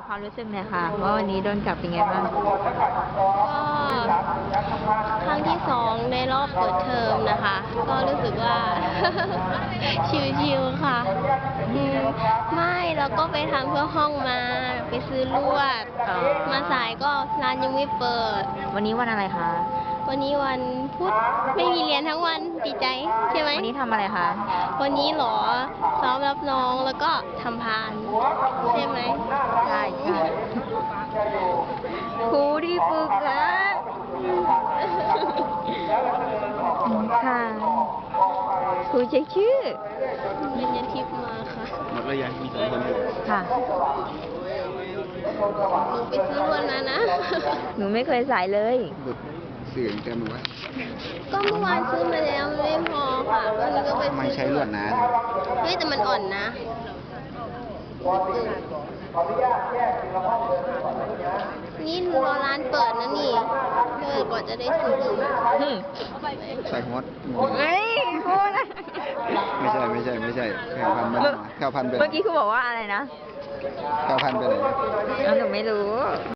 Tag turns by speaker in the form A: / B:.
A: ความรู้สึกหน่อยค่ะว่าวันนี้โดนจับเป็นไงบ้าง
B: ก็ครั้งที่2ในรอบเปิดเทอมนะคะ ก็รู้สึกว่า ชิวๆค่ะไม่แล้วก็ไปทำเพื่อห้องมาไปซื้อลวดมาสายก็ร้านยังไม่เปิด
A: วันนี้วันอะไรคะ
B: วันนี้วันพุธไม่มีเรียนทั้งวันดีใจใช่ไหม
A: วันนี้ทำอะไรคะ
B: วันนี้เหรอซ้อมรับน้องแล้วก็ทำพานใช่ไหม
A: ใช่ค่ะครูที่ฝึกนะค่ะครูเช็คชื่อ
B: เป็นยันทิพย์มาค่ะ
C: หมดแล้วยังมี2 คนอยู่
A: ค่ะ
B: หนูไปซื้อลวดมานะ
A: หนูไม่เคยสายเลย
C: บุดเสื่อเต็มหมดวะ
B: ก็เมื่อวานซื้อมาแล้วมันไม่พอค่ะวันนี้ก็ไป
C: ทำไม
B: ซื้อ
C: ใช้ลวดหนา
B: เฮ้ยแต่มันอ่อนนะ นี่รอร้านเปิดนะนี่เปิดกว่าจะได้ซื้อ
C: ใส่หัว
A: เฮ้ยครูนะ
C: ไม่ใช่แข่งพันไปไหนแข่งพันไปไหน
A: เมื่อกี้ครูบอกว่าอะไรนะ
C: แข่งพันไปไหน
A: หนูไม่รู้